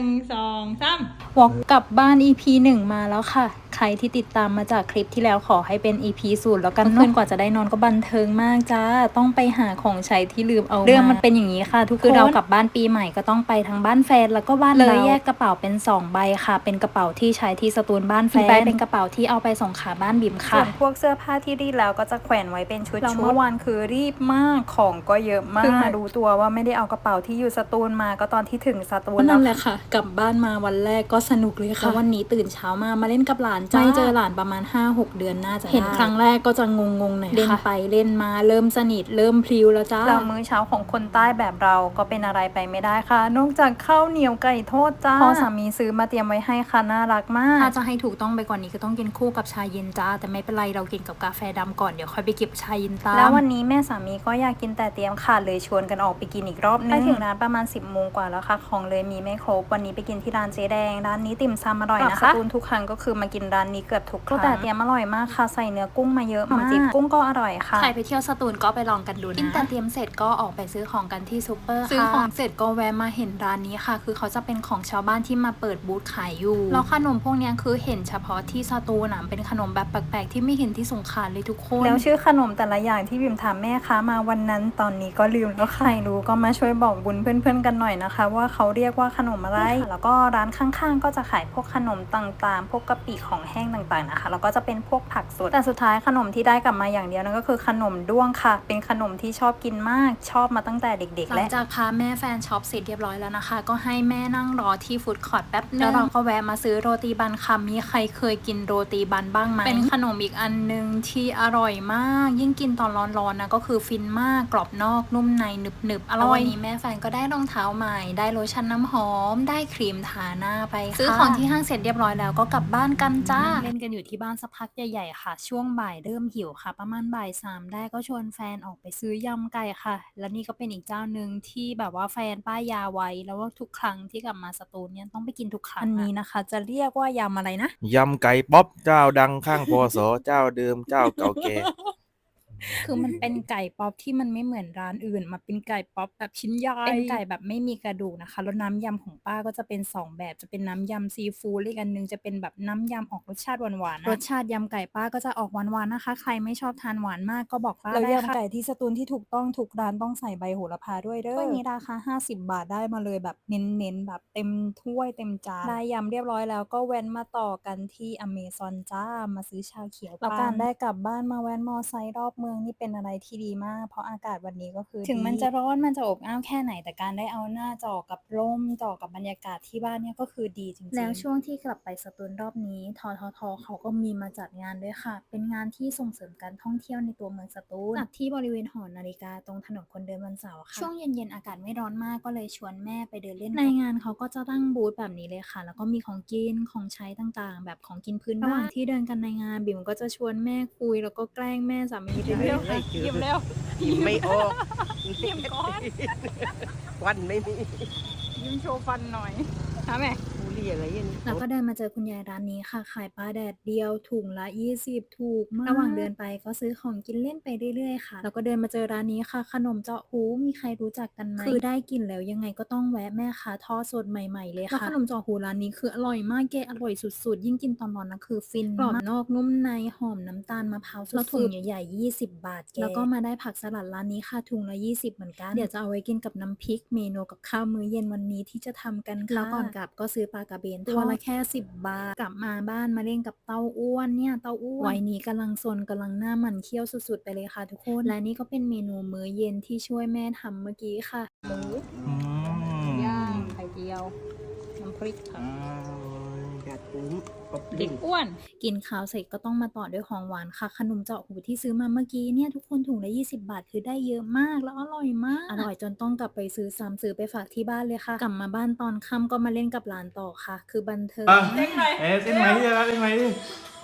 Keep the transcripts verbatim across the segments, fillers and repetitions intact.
หนึ่งสองสามวอกกลับบ้าน อี พี หนึ่งมาแล้วค่ะใครที่ติดตามมาจากคลิปที่แล้วขอให้เป็น อี พี ศูนย์แล้วกันเพื่อนกว่าจะได้นอนก็บันเทิงมากจ้าต้องไปหาของใช้ที่ลืมเอาเรื่องมันเป็นอย่างนี้ค่ะทุกคนคือเรากลับบ้านปีใหม่ก็ต้องไปทั้งบ้านแฟนแล้วก็บ้านเราเลยแยกกระเป๋าเป็นสองใบค่ะเป็นกระเป๋าที่ใช้ที่สตูลบ้านแฟนเป็นกระเป๋าที่เอาไปส่งขาบ้านบิ่มค่ะส่วนพวกเสื้อผ้าที่รีดแล้วก็จะแขวนไว้เป็นชุดๆเมื่อวานคือรีบมากของก็เยอะมากเพิ่งมารู้ตัวว่าไม่ได้เอากระเป๋าที่อยู่สตูลมาก็ตอนที่ถึงสตูลนั่นแหละค่ะกลับบ้านมาวันแรกก็สนุกเลยค่ะวันนี้ตื่นเช้ามามาเล่นกับหลานจ้าไม่เจอหลานประมาณ ห้าหก เดือนน่าจะเห็นครั้งแรกก็จะงงๆหน่อยค่ะเล่นไปเล่นมาเริ่มสนิทเริ่มพลิ้วแล้วจ้าแล้วมื้อเช้าของคนใต้แบบเราก็เป็นอะไรไปไม่ได้ค่ะนอกจากข้าวเหนียวไก่ทอดจ้าพ่อสามีซื้อมาเตรียมไว้ให้ค่ะน่ารักมากถ้าจะให้ถูกต้องไปกว่านี้ก็ต้องกินคู่กับชาเย็นจ้าแต่ไม่เป็นไรเรากินกับกาแฟดำก่อนเดี๋ยวค่อยไปเก็บชาเย็นตามแล้ววันนี้แม่สามีก็อยากกินแต่เตรียมค่ะเลยชวนกันออกไปกินอีกรอบนึงไปถึงร้านประมาณสิบโมงกว่าแล้วค่ะของเลยมีไม่ครบวันนี้ไปกินที่ร้านเจ๊แดงร้านนี้ติ่มซำอร่อยนะคะสตูลทุกครั้งก็คือมากินร้านนี้เกือบทุกครั้งแต่เตรียมอร่อยมากค่ะใส่เนื้อกุ้งมาเยอะมากจิบกุ้งก็อร่อยค่ะใครไปเที่ยวสตูลก็ไปลองกันดูนะกินแต่เตรียมเสร็จก็ออกไปซื้อของกันที่ซูเปอร์ค่ะซื้อของเสร็จก็แวะมาเห็นร้านนี้ค่ะคือเขาจะเป็นของชาวบ้านที่มาเปิดบูธขายอยู่แล้วขนมพวกนี้คือเห็นเฉพาะที่สตูลนะเป็นขนมแบบแปลกๆที่ไม่เห็นที่สงขลาเลยทุกคนแล้วชื่อขนมแต่ละอย่างที่บิมถามแม่ค้ามาวันนั้นตอนนี้ก็ลืมแล้วใครรู้ก็มาช่วยบอกบุญเพื่อนๆกันหน่อยนะคะว่าเขาเรียกว่าขนมอะไรแล้วก็ร้านข้างๆก็จะขายพวกขนมต่างๆพวกกะปิของแห้งต่างๆนะคะแล้วก็จะเป็นพวกผักสดแต่สุดท้ายขนมที่ได้กลับมาอย่างเดียวนั่นก็คือขนมด้วงค่ะเป็นขนมที่ชอบกินมากชอบมาตั้งแต่เด็กๆและหลังจากพาแม่แฟนช็อปเสร็จเรียบร้อยแล้วนะคะก็ให้แม่นั่งรอที่ฟู้ดคอร์ทแป๊บนึงแล้วเราก็แวะมาซื้อโรตีบันค่ะมีใครเคยกินโรตีบันบ้างไหมเป็นขนมอีกอันนึงที่อร่อยมากยิ่งกินตอนร้อนๆนะก็คือฟินมากกรอบนอกนุ่มในหนึบๆอร่อยวันนี้แม่แฟนก็ได้รองเท้าใหม่ได้โลชั่นน้ำหอมได้ครีมทาหน้าไปซื้อของที่ห้างเสร็จเรียบร้อยแล้วก็กลับบ้านกันจ้าเล่นกันอยู่ที่บ้านสักพักใหญ่ๆค่ะช่วงบ่ายเริ่มหิวค่ะประมาณบ่ายสามได้ก็ชวนแฟนออกไปซื้อยำไก่ค่ะแล้วนี่ก็เป็นอีกเจ้าหนึ่งที่แบบว่าแฟนป้ายยาไว้แล้วว่าทุกครั้งที่กลับมาสตูลเนี่ยต้องไปกินทุกครั้งอันนี้นะคะจะเรียกว่ายำอะไรนะยำไก่ป๊อปเจ้าดังข้างพศเจ้าเดิมเจ้าเก่าแก่คือมันเป็นไก่ป๊อปที่มันไม่เหมือนร้านอื่นมาเป็นไก่ป๊อปแบบชิ้นใหญ่เป็นไก่แบบไม่มีกระดูกนะคะแล้วน้ำยำของป้าก็จะเป็นสองแบบจะเป็นน้ำยำซีฟู้ดอีกอันนึงจะเป็นแบบน้ำยำออกรสชาติหวานๆรสชาติยำไก่ป้าก็จะออกหวานๆนะคะใครไม่ชอบทานหวานมากก็บอกป้าได้ค่ะแล้วยำไก่ที่สตูลที่ถูกต้องทุกร้านต้องใส่ใบโหระพาด้วยเด้อถ้วยนี้ราคาห้าสิบบาทได้มาเลยแบบเน้นๆแบบเต็มถ้วยเต็มจานได้ยำเรียบร้อยแล้วก็แว้นมาต่อกันที่อเมซอนจ้ามาซื้อชาเขียวแล้วการได้กลับบ้านมาแว้นมอไซค์รอบเมืองนี่เป็นอะไรที่ดีมากเพราะอากาศวันนี้ก็คือถึงมันจะร้อนมันจะอบอ้าวแค่ไหนแต่การได้เอาหน้าจอกับร่มจอกับบรรยากาศที่บ้านเนี่ยก็คือดีจริงๆแล้วช่วงที่กลับไปสตูลรอบนี้ทททเขาก็มีมาจัดงานด้วยค่ะเป็นงานที่ส่งเสริมการท่องเที่ยวในตัวเมืองสตูลจัดที่บริเวณหอนาฬิกาตรงถนนคนเดินวันเสาร์ค่ะช่วงเย็นๆอากาศไม่ร้อนมากก็เลยชวนแม่ไปเดินเล่นในงานเขาก็จะตั้งบูธแบบนี้เลยค่ะแล้วก็มีของกินของใช้ต่างๆแบบของกินพื้นบ้านระหว่างที่เดินกันในงานบิ่มก็จะชวนแม่คุยแล้วก็แกล้งแม่สามีไปเรื่อยๆยิ้มเร็วยิ้มไม่ออกยิ้มก่อนวันไม่มียิ้มโชว์ฟันหน่อยทำไหมบุหรี่อะไรอย่างนี้แล้วก็เดินมาเจอคุณยายร้านนี้ค่ะขายปลาแดดเดียวถุงละยี่สิบถูกมากระหว่างเดินไปก็ซื้อของกินเล่นไปเรื่อยๆค่ะแล้วก็เดินมาเจอร้านนี้ค่ะขนมเจาะหูมีใครรู้จักกันไหมคือได้กินแล้วยังไงก็ต้องแวะแม่ค้าทอดสดใหม่ๆเลยค่ะแล้วขนมเจาะหูร้านนี้คืออร่อยมากแกอร่อยสุดๆยิ่งกินตอนร้อนนะคือฟินกรอบนอกนุ่มในหอมน้ำตาลมะพร้าวสุดๆแล้วถุงใหญ่ๆยี่สิบบาทแกแล้วก็มาได้ผักสลัดร้านนี้ค่ะถุงละยี่สิบเหมือนกันเดี๋ยวจะเอาไว้กินกับน้ำพริกเมนูกับข้าวมื้อเย็นวันนี้ที่จะทำกันค่ะแล้วก่อนกลับก็ซื้อปลากระเบนตัวละแค่สิบบาทกลับมาบ้านมาเล่นกับเต้าอ้วนเนี่ยเต้าอ้วนวัยนี้กำลังซนกำลังหน้ามันเคี้ยวสุดๆไปเลยค่ะทุกคนและนี่ก็เป็นเมนูมื้อเย็นที่ช่วยแม่ทำเมื่อกี้ค่ะหมูย่างไข่เจียวน้ำพริกค่ะกัดปุ้งเด็กอ้วนกินข้าวเสร็จก็ต้องมาต่อด้วยของหวานค่ะขนมเจาะหูที่ซื้อมาเมื่อกี้เนี่ยทุกคนถุงละยี่สิบบาทคือได้เยอะมากแล้วอร่อยมากอร่อยจนต้องกลับไปซื้อซ้ำซื้อไปฝากที่บ้านเลยค่ะกลับมาบ้านตอนค่ำก็มาเล่นกับหลานต่อค่ะคือบันเทิงเต้นไหมเอ๊ะเต้นไหมดิเต้นไหมดิ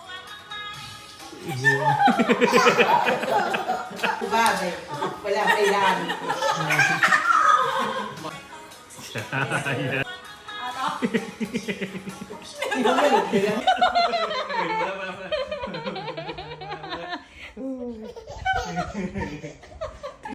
บ้าเลยเวลาไปดานใช่